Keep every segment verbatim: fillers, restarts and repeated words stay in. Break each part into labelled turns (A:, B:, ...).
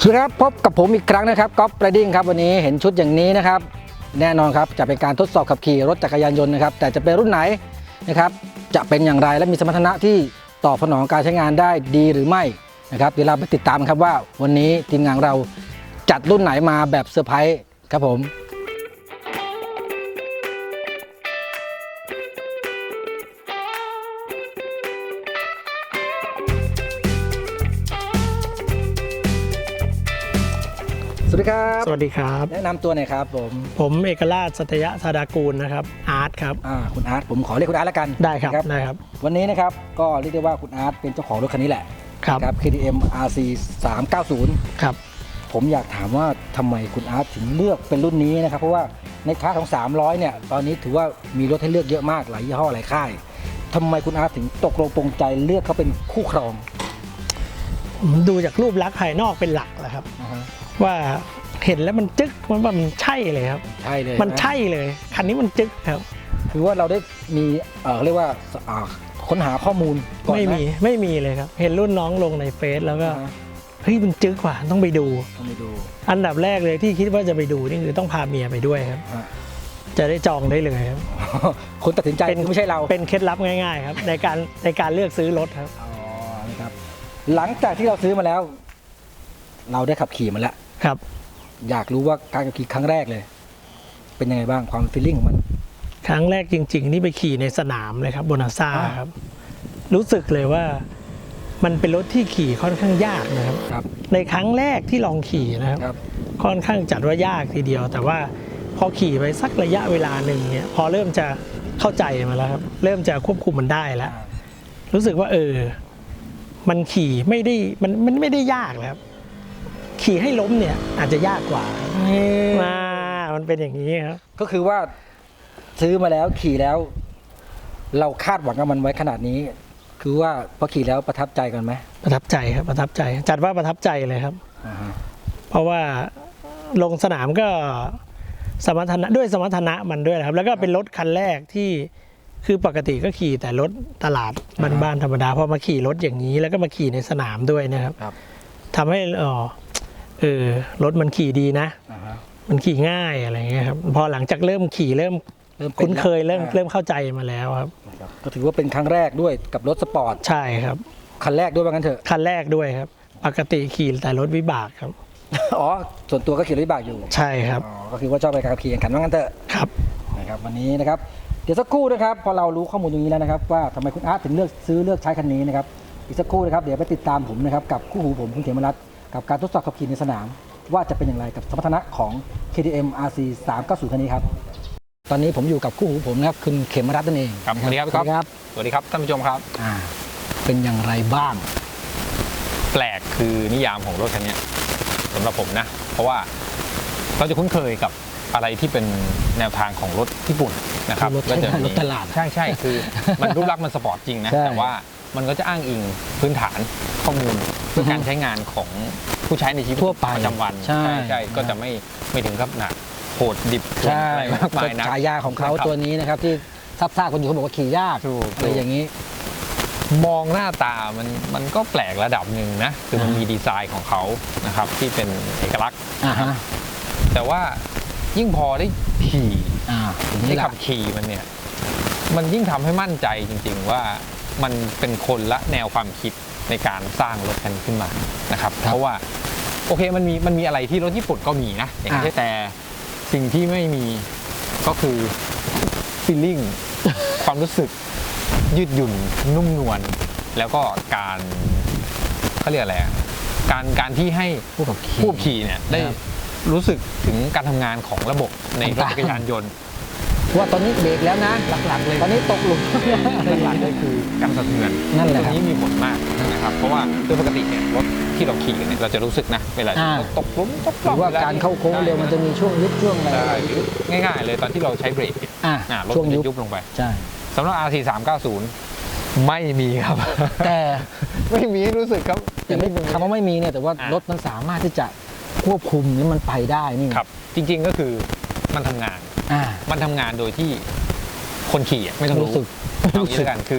A: สวัสดีครับพบกับผมอีกครั้งนะครับก๊อฟไรดิ้งครับวันนี้เห็นชุดอย่างนี้นะครับแน่นอนครับจะเป็นการทดสอบขับขี่รถจักรยานยนต์นะครับแต่จะเป็นรุ่นไหนนะครับจะเป็นอย่างไรและมีสมรรถนะที่ตอบสนองการใช้งานได้ดีหรือไม่นะครับเดี๋ยวเราไปติดตามครับว่าวันนี้ทีมงานเราจัดรุ่นไหนมาแบบเซอร์ไพรส์ครับผมสวัสดีครับ
B: สวัสดีครับ
A: แนะนำตัวหน่อยครับผม
B: ผมเอกราชสัตยะธาดากูลนะครับอาร์ตครับ
A: อ่าคุณอาร์ตผมขอเรียกคุณอาร์ตแล้วกัน
B: ได้ครับได้ครับ
A: วันนี้นะครับก็เรียกได้ว่าคุณอาร์ตเป็นเจ้าของรถคันนี้แหละ
B: ครับ
A: เค ที เอ็ม อาร์ ซี สามเก้าศูนย์
B: ครับ
A: ผมอยากถามว่าทำไมคุณอาร์ตถึงเลือกเป็นรุ่นนี้นะครับเพราะว่าในคลาสของสามร้อยเนี่ยตอนนี้ถือว่ามีรถให้เลือกเยอะมากหลายยี่ห้อหลายค่ายทำไมคุณอาร์ตถึงตกลงปรงใจเลือกเขาเป็นคู่ครอง
B: ผมดูจากรูปลักษณ์ภายนอกเป็นหลักแหละครับ uh-huh. ว่าเห็นแล้วมันจึ๊กมันว่ามันใช่เลยครับ
A: ใช่เลย
B: มันใช่เลยคันนี้มันจึ๊กครับ
A: คือว่าเราได้มีเอ่อเรียกว่าค้นหาข้อมูลก่อน
B: ไม่มีไม่มีเลยครับเห็นรุ่นน้องลงในเฟซแล้วก็เฮ้ยมันจึ๊กกว่าต้องไปดู
A: ต้องไปดู
B: อันดับแรกเลยที่คิดว่าจะไปดูนี่คือต้องพาเมียไปด้วยครับจะได้จองได้เลยครับ
A: คนตัดสินใจไม่ใช่เรา
B: เป็นเคล็ดลับง่ายๆครับในการในการเลือกซื้อรถครับ
A: อ๋อนะครับหลังจากที่เราซื้อมาแล้วเราได้ขับขี่มาแล้ว
B: ครับ
A: อยากรู้ว่าการขับขี่ครั้งแรกเลยเป็นยังไงบ้างความฟีลลิ่งของมัน
B: ครั้งแรกจริงๆนี่ไปขี่ในสนามเลยครับโบนาซ่าครับรู้สึกเลยว่ามันเป็นรถที่ขี่ค่อนข้างยากนะครับในครั้งแรกที่ลองขี่นะครับค่อนข้างจัดว่ายากทีเดียวแต่ว่าพอขี่ไปสักระยะเวลาหนึ่งเนี่ยพอเริ่มจะเข้าใจมาแล้วครับเริ่มจะควบคุมมันได้แล้วรู้สึกว่าเออมันขี่ไม่ได้มันมันไม่ได้ยากแล้วขี่ให้ล้มเนี่ยอาจจะยากกว่ามามันเป็นอย่างนี้ครับ
A: ก็คือว่าซื้อมาแล้วขี่แล้วเราคาดหวังกับมันไว้ขนาดนี้คือว่าพอขี่แล้วประทับใจกันไหม
B: ประทับใจครับประทับใจจัดว่าประทับใจเลยครับ uh-huh. เพราะว่าลงสนามก็สมรรถนะด้วยสมรรถนะมันด้วยครับแล้วก็เป็นรถคันแรกที่คือปกติก็ขี่แต่รถตลาดบ้านๆธรรมดาพอมาขี่รถอย่างนี้แล้วก็มาขี่ในสนามด้วยนะครับ uh-huh. ทำให้อ๋อเออรถมันขี่ดีนะ uh-huh. มันขี่ง่ายอะไรเงี้ยครับพอหลังจากเริ่มขี่เริ่มคุ้นเคยเริ่มเริ่มเข้าใจมาแล้วครับ
A: ก็ถือว่าเป็นครั้งแรกด้วยกับรถสปอร์ต
B: ใช่ครับ
A: คันแรกด้วยว่างั้นเถอะ
B: คันแรกด้วยครับปกติขี่แต่รถวิบากครับ
A: อ๋อส่วนตัวก็ขี่รถวิบากอยู่
B: ใช่ครับ
A: อ๋อก็คือว่าชอบไปการขี่แข่งขันว่างั้นเถอะ
B: ครับ
A: นะครับวันนี้นะครับเดี๋ยวสักครู่นะครับพอเรารู้ข้อมูลตรงนี้แล้วนะครับว่าทำไมคุณอาร์ตถึงเลือกซื้อเลือกใช้คันนี้นะครับอีกสักครู่นะครับเดี๋ยวไปติดตามผมนะครับกับคู่หูผมคุณเขมรัตน์กับการทดสอบขับขี่ในสนามว่าจะเป็นอย่างไรกับสมรรถนะของ เค ที เอ็ม อาร์ ซี สามเก้าศูนย์ คันนี้ครับตอนนี้ผมอยู่กับคู่หูผมนะครับคุณเขมรัตน์นั่นเอง
C: ครับสวัสดีครับครับสวัสดีครับท่านผู้ชมครับ
A: อ่าเป็นอย่างไรบ้าง
C: แปลกคือนิยามของรถคันนี้สำหรับผมนะเพราะว่าเราจะคุ้นเคยกับอะไรที่เป็นแนวทางของรถญี่ปุ่นนะครับ
A: ก็จะมีรถตลาด
C: ใช่ใช่คือมันรูปลักษณ์มันสปอร์ตจริงนะแต่ว่ามันก็จะอ้างอิงพื้นฐานข้อมูลเพื่อการใช้งานของผู้ใช้ในชีวิตประจำวัน
A: ใช่
C: ใช่ก็จะไม่ไม่ถึงกับหนักโหดดิบอะไรมากมายนะ
A: ฉายาของเขาตัวนี้นะครับที่ซับซ่าคนอยู่เขาบอกว่าขี่ยากอะไรอย่างนี้
C: มองหน้าตามันมันก็แปลกระดับหนึ่งนะคือมันมีดีไซน์ของเขานะครับที่เป็นเอกลักษณ์แต่ว่ายิ่งพอได้ขี่ได้ขับขี่มันเนี่ยมันยิ่งทำให้มั่นใจจริงๆว่ามันเป็นคนละแนวความคิดในการสร้างรถคันขึ้นมานะครับเพราะว่าโอเคมันมีมันมีอะไรที่รถญี่ปุ่นก็มีนะอย่างเช่นแต่สิ่งที่ไม่มีก็คือ feeling ความรู้สึกยืดหยุ่นนุ่มนวลแล้วก็การเขาเรียกอะไรการการที่ให้ผู้ขับขี่ผู้ขี่เนี่ยได้รู้สึกถึงการทำงานของระบบในรถจักรยานยนต์
A: ว่าตอนนี้เบรกแล้วนะหลักๆเลยตอนนี้ตกหลุม
C: หลักๆเลยคือการสะเทือน
A: นั่นแหละ
C: ตรงนี้มีผลมากนะครับเพราะว่าโดยปกติเนี่ยรถที่เราขี่เนี่ยเราจะรู้สึกนะเวลาตกหลุมตกหลุม
A: ว่าการเข้าโค้งเร็วมันจะมีช่วงยุบช่วงอะไร
C: ง่ายๆเลยตอนที่เราใช้เบรกรถมันจะยุบลงไป
A: ใช่
C: สำหรับ อาร์ ซี สามเก้าศูนย์ ไม่มีครับ
A: แต่
C: ไม่มีรู้สึกครับ
A: แต่ไม่คำว่าไม่มีเนี่ยแต่ว่ารถมันสามารถที่จะควบคุมแล้วมันไปได้นี่
C: ครับจริงๆก็คือมันทำงานมันทำงานโดยที่คนขี่ไม่ต้องรู้สึกเอางี้แล้วกันคือ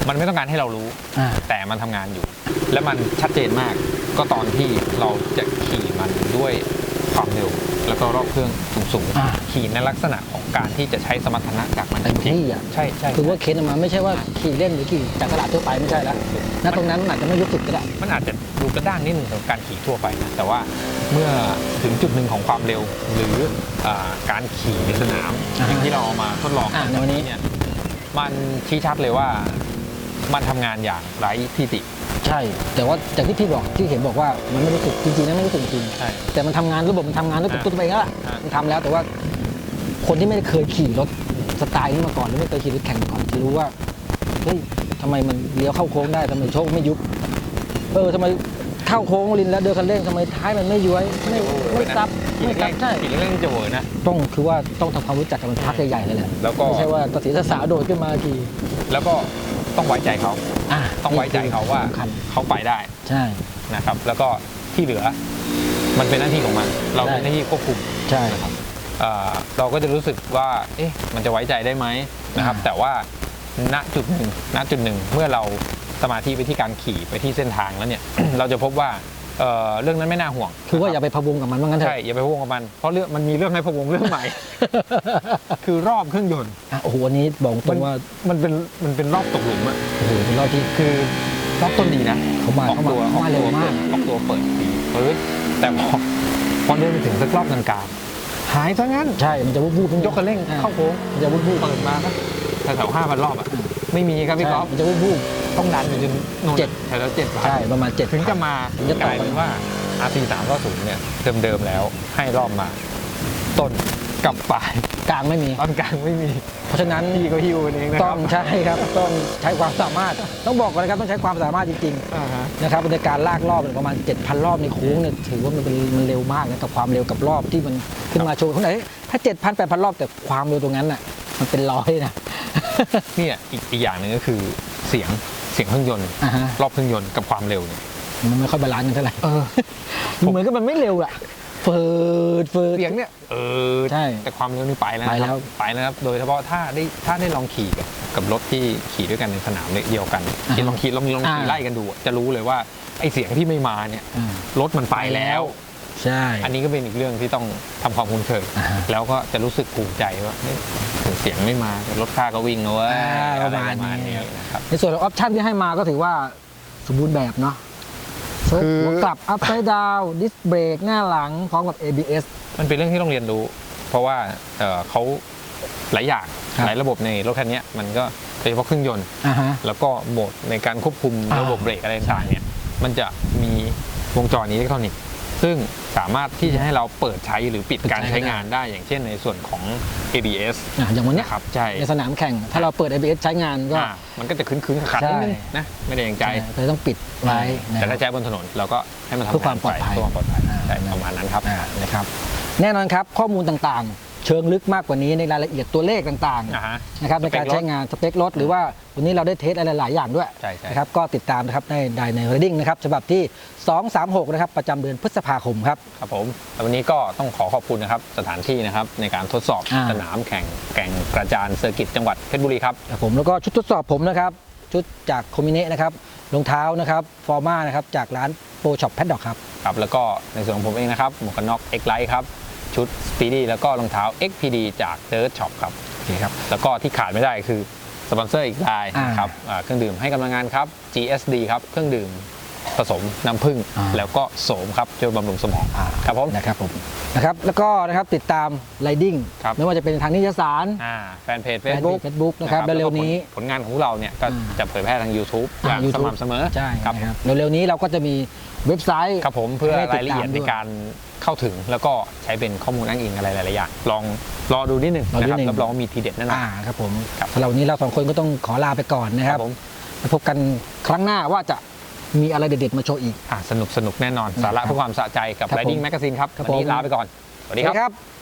C: มันไม่ต้องการให้เรารู้
A: อ่า
C: แต่มันทำงานอยู่ และมันชัดเจนมาก ก็ตอนที่เราจะขี่มันด้วยความเร็ว แล้วก็รอบเครื่องสูง
A: อ่า
C: ๆขี่ในลักษณะของการที่จะใช้สมรรถนะจากมัน
A: เต็มที่อ่ะ
C: ใช่ใช่
A: คือว่าเค้นออกมาไม่ใช่ว่าขี่เล่นหรือขี่จากตลาดทั่วไปไม่ใช่แล้วณตรงนั้นมันอาจจะไม่รู้สึกก็ได้
C: มันอาจจะดูกระด้างนิดหนึ่งของการขี่ทั่วไปนะแต่ว่าเมื่อถึงจุดหนึ่งของความเร็ว หรืออ่าการขี่ในสนาม
A: อ่า
C: อย่างที่เราเอามาทดลอง
A: อ่า
C: กั
A: ในวันนี้
C: เนี่ยมันชี้ชัดเลยว่ามันทำงานอย่างไร้ที่ติ
A: ใช่ แต่ว่าจากที่พี่บอกที่เห็นบอกว่ามันไม่รู้สึกจริงๆนะไม่รู้สึกจริง
C: ใช่
A: แต่มันทำงานระบบมันทำงานด้วยตัว
C: อ่า
A: ตัวเองแล้วล่ะ
C: อ่ามั
A: มันทำแล้วแต่ว่าคนที่ไม่ได้เคยขี่รถสไตล์นี้มาก่อนหรือไม่เคยขี่รถแข่งมาก่อนจะรู้ว่าเฮ้ยทำไมมันเลี้ยวเข้าโค้งได้ทำไมโชคไม่ยุบเออทำไมเข้าโค้งลินแล้วเดินคันเร่งทำไมท้ายมันไม่ย้วยไม่ไม่ซับ
C: ขี่
A: ไม่
C: เล่
A: ซับ
C: น
A: ใช่
C: ๆขี่เล่นๆจะเวอร์นะ
A: ต้องคือว่าต้องทำความรู้จักกับมันพักใหญ่ๆเลยแหละ
C: แล้วก็
A: ไม่ใช่ว่าตัดสินสาวโดดขึ้นมาขี่
C: แล้วก็ต้องไว้ใจเขา
A: อ่ะ
C: ต้องไว้ใจเขาว่า
A: สำคัญ
C: เขาไปได้
A: ใช่
C: นะครับ แล้วก็ที่เหลือมันเป็นหน้าที่ของมัน เราเป็นหน้าที่ควบคุม
A: ใช่
C: นะครับเอ่อเราก็จะรู้สึกว่า เอ๊ะ มันจะไว้ใจได้ไหมนะครับ
A: อ่า
C: แต่ว่าณจุดหนึ่งณจุดหนึ่งเมื่อเราสมาธิไปที่การขี่ไปที่เส้นทางแล้วเนี่ย เราจะพบว่าเอ่อเรื่องนั้นไม่น่าห่วง
A: คือว่าอย่าไปพะวงกับมันว่างั้นเถ
C: ใช่
A: อะ
C: อย่าไปพะวงกับมัน เพราะเรื่องมันมีเรื่องให้พะวงเรื่องใหม่ คือรอบเครื่องยนต์
A: อ่ะโอ้โหวันนี้บอกตรงว่า
C: มันเป็นมันเป็นรอบตกหลุมอะ
A: โอ้โหเป็นรอบที่
C: คือรอบต้นดีนะ
A: เขามา
C: ออก
A: เขามา
C: ตัวอ
A: เขา
C: อก
A: มา
C: ตั
A: เร็
C: ว
A: วมาก
C: ออกตัวเปิดดีเปิดแต่พอพอเดินไปถึงสักรอบกลางๆหายซะงั้น
A: ใช่มันจะวูบวูบ
C: ยกคันเร่งเข้าโค้ง
A: มันจะวูบวูบ
C: เปิดมาครับแถวๆห้าพันรอบอ่ะไม่มีครับพี่ก๊อฟ
A: มันจะวูบวูบ
C: ต้องดันอยู่จนโน่น
A: เจ็ด
C: แถวๆเจ็ดพัน
A: ใช่ประมาณเจ็ด
C: ถึงจะมา
A: ถึงจะ
C: ก
A: ต่อ
C: ลายเป็นว่า อาร์ ซี สามร้อยเนี่ยเดิมๆแล้วให้รอบมา ต้นกับปลาย
A: กลางไม่มี
C: ตอนกลางไม่มี
A: เพราะฉะนั้น
C: พี่ก็ฮิวเองนะค
A: ต้อ
C: รั
A: ง
C: บ
A: ใช่ครับต้องใช้ความสามารถ ต้องบอกก่อนนะครับต้องใช้ความสามารถจริง
C: อ่าฮะ
A: ๆนะครับในการลากรอบเนี่ยประมาณ เจ็ดพัน รอบในโค้งเนี่ยถือว่ามันเป็นมันเร็วมากนะกับความเร็วกับรอบที่มันขึ้นมาโชว์ข้างไหนถ้า เจ็ดพัน แปดพัน รอบแต่ความเร็วตรงนั้นน่ะมันเป็นร้อยนะ
C: เนี่ยอีกอีกอย่างหนึ่งก็คือเสียงเสียงเครื่องยนต์
A: อ่าฮะ
C: รอบเครื่องยนต์กับความเร็วเนี่ย
A: มันไม่ค่อยบาลานซ์กันเท่าไหร่
C: เออ
A: เหมือนกับมันไม่เร็วอะเฟิดเฟิด
C: เสียงเนี่ยเออ
A: ใช่
C: แต่ความเร็วนี่ไปแล้ว
A: ไป
C: นะ
A: แล้
C: คว รับไปแล้วครับโดยเฉพาะถ้าได้ถ้าได้ลองขี่กับกับรถที่ขี่ด้วยกันในสนามเดียวกัน
A: อ่า
C: ที่ลองขี่ลองลองขี่
A: อ่า
C: ไล่กันดูอะจะรู้เลยว่าไอเสียงที่ไม่มาเนี่ย
A: อ่าร
C: ถมันไปแล้ว
A: ใช่
C: อันนี้ก็เป็นอีกเรื่องที่ต้องทำความคุ้นเคย
A: อ่าฮะ
C: แล้วก็จะรู้สึกภูมิใจว่าเฮ้ยถึงเสียงไม่มาแต่รถข้าก็วิ่งนะเว้ย
A: อ่า
C: อะไร
A: ประมาณ
C: ประมาณ
A: นี้
C: นี้นะครับ
A: ในส่วนของออปชั่นที่ให้มาก็ถือว่าสมบูรณ์แบบเนาะโชค
C: คือ
A: หัวกลับอัพไซด์ดาวดิสเบรกหน้าหลังพร้อมกับ เอ บี เอส
C: มันเป็นเรื่องที่ต้องเรียนรู้ เพราะว่าเอ่อเขาหลายอย่าง
A: ครับ
C: หลายระบบในรถคันนี้มันก็โดยเฉพาะเครื่องยนต์
A: อ่าฮะ
C: แล้วก็โหมดในการควบคุม
A: อ่า
C: ระบบเบรกอะไรต่างๆเนี่ยมันจะมีวงจรอิเล็กทรอนิกส์ซึ่งสามารถที่จะให้เราเปิดใช้หรือปิดการใช้งานได้อย่างเช่นในส่วนของ เอ บี เอส
A: อ่ะอย่างวันเนี้ย
C: นะครับใช่
A: ในสนามแข่ง ถ้าเราเปิด เอ บี เอส ใช้งานก็
C: อ่ามันก็จะคืนๆขัดๆนิดนึงนะไม่ได้อย่างใจ
A: เลยต้องปิดไว้นะ
C: แต่ถ้าใช้บนถนนเราก็ให้มันทำ
A: เพื่อความปลอดภัย
C: เพื่อความปลอดภัย
A: อ่า
C: ใช่ประมาณนั้นครับ
A: อ่านะครับแน่นอนครับข้อมูลต่างๆ เชิงลึกมากกว่านี้ในรายละเอียดตัวเลขต่าง
C: อ่าฮะ
A: ๆนะครับในการ
C: สเปครถ
A: ใช้งานสเปครถหรือว่าวันนี้เราได้เทสอะไรหลายๆอย่างด้วย
C: ใช่ใช่
A: นะครับก็ติดตามนะครับในได้ใน Reading นะครับฉบับที่ สองสามหก นะครับประจำเดือนพฤษภาคมครับ
C: ครับผมแต่วันนี้ก็ต้องขอขอบคุณนะครับสถานที่นะครับในการทดสอบ
A: อ่า
C: สนามแข่งแก่งกระจานเซอร์กิตจังหวัดเพชรบุรีครับ
A: ครับผมแล้วก็ชุดทดสอบผมนะครับ ชุดจากโคมิเนะนะครับรองเท้านะครับฟอร์มานะครับจากร้านโปรช็อปแพดดอกครับ
C: ครับแล้วก็ในส่วนของผมเองนะครับหมวกกันน็อก X Lite ครับชุด Speedy แล้วก็รองเท้า เอ็กซ์ พี ดี จาก Dirt Shop ครับ
A: โอเคครับ
C: แล้วก็ที่ขาดไม่ได้คือสปอนเซอร์อีกราย
A: อ่า
C: นะครับอ่าเครื่องดื่มให้กำลังงานครับ จี เอส ดี ครับเครื่องดื่มผสมน้ำผึ้ง
A: อ่า
C: แล้วก็โสมครับช่วยบำรุงสมอง
A: อ่า
C: ครับผม
A: นะครับผมนะครับแล้วก็นะครับติดตาม Riding
C: ครับ
A: ไม่ว่าจะเป็นทางนิตยสาร
C: อ่าแฟนเพจ
A: แฟนเพจ
C: Facebook
A: Facebook นะครับ
C: แล้วก็
A: เร็วๆนี้
C: ผลผลงานของเราเนี่ยก็
A: อ่า
C: จะเผยแพร่ทาง YouTube อ
A: อ่า
C: ย่าง
A: YouTube
C: สม่ำเสมอ
A: ใช่
C: ครับ
A: นะครับเร็วๆนี้เราก็จะมีเว็บไซต์
C: ครับผมเพื่อ
A: ให้ติด
C: รายละเอียด
A: ตาม
C: ใน
A: ด้วย
C: การเข้าถึงแล้วก็ใช้เป็นข้อมูลอ้างอิงอะไรหลายๆอย่างลองรอดูนิดหนึ่ง
A: รอดู
C: นะครับ
A: นิดหนึ่ง
C: รับรองว่ามีทีเด็ดแน่นอน
A: อ่าครับผม
C: ครับ
A: สำหรับวันนี้เราสองคนก็ต้องขอลาไปก่อนนะครับ
C: ผม
A: แล้วพบกันครั้งหน้าว่าจะมีอะไรเด็ดๆมาโชว์อีก
C: อ่าสนุกสนุกแน่นอน
A: นะครับ
C: สาระเพื่อความสะใจกับ
A: ครับผม
C: Riding Magazine ครับ
A: ครับ
C: วันนี้
A: ผม
C: ลาไปก่อน สวัสดี
A: สวัส
C: ค
A: ดี
C: รับ
A: ครับ